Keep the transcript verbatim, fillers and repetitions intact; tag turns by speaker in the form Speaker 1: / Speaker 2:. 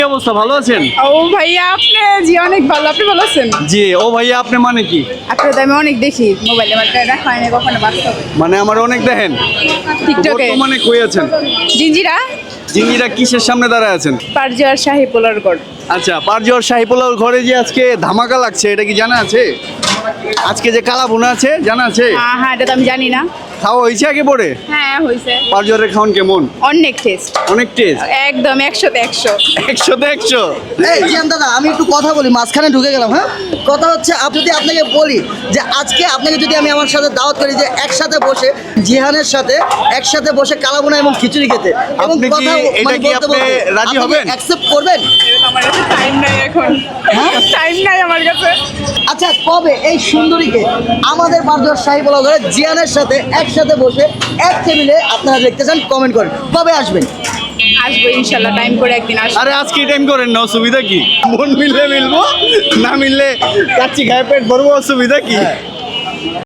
Speaker 1: কি অবস্থা, ভালো আছেন?
Speaker 2: ও ভাইয়া আপনি জি অনেক ভালো, আপনি ভালো আছেন?
Speaker 1: জি। ও ভাইয়া আপনি মানে কি?
Speaker 2: আপনার তো আমি অনেক দেখি মোবাইলে, বাট দেখা হয় না কখনো বাস্তবে।
Speaker 1: মানে আমার অনেক দেখেন
Speaker 2: টিকটকে
Speaker 1: বর্তমানে কই আছেন?
Speaker 2: জিঞ্জিরা
Speaker 1: জিঙ্গিরা কিসের সামনে দাঁড়ায় আছেন?
Speaker 2: পারজিয়ার শাহী পোলার গড়।
Speaker 1: আচ্ছা, পারজোর শাহিপুলার ঘরে যে আজকে ধামাকা লাগছে, এটা কি জানা আছে? আজকে যে কালা ভুনা আছে জানা আছে?
Speaker 2: হ্যাঁ হ্যাঁ, এটা তো আমি জানি না।
Speaker 1: খাওয়া হয়েছে আগে পরে?
Speaker 2: হ্যাঁ হয়েছে।
Speaker 1: পারজোরের খাওন কেমন?
Speaker 2: অনেক টেস্ট,
Speaker 1: অনেক টেস্ট।
Speaker 2: একদম একশোতে একশো।
Speaker 1: একশোতে একশো।
Speaker 3: এই জিয়ান দাদা, আমি একটু কথা বলি, মাঝখানে ঢুকে গেলাম। হ্যাঁ, কথা হচ্ছে আপ যদি আপনাকে বলি যে আজকে আপনাকে যদি আমি আমার সাথে দাওয়াত করি যে একসাথে বসে জিহানের সাথে একসাথে বসে কালাবোনা এবং খিচুড়ি খেতে, এবং
Speaker 1: আপনি কি
Speaker 3: কথা
Speaker 1: এটা
Speaker 3: মানে
Speaker 1: কি
Speaker 3: বলতে
Speaker 1: আপনি
Speaker 3: বলতে
Speaker 1: রাজি
Speaker 3: আপনি
Speaker 1: হবেন?
Speaker 3: অ্যাকসেপ্ট করবেন?
Speaker 2: আমার কাছে টাইম নাই এখন, টাইম নাই আমার কাছে।
Speaker 3: আচ্ছা, কবে এই সুন্দরীকে আমাদের পারজোর শাহী পোলাও ঘরে জিয়ানের সাথে একসাথে বসে এক টেবিলে আপনারা দেখতে চান? কমেন্ট করেন কবে আসবেন।
Speaker 2: আসবো ইনশাল্লাহ, টাইম করে একদিন আসবো।
Speaker 1: আরে আজকে টাইম করেন না, অসুবিধা কি? মন মিললে মিলবো, না মিললে কাচ্চি খায় পেট ভরবো, অসুবিধা কি?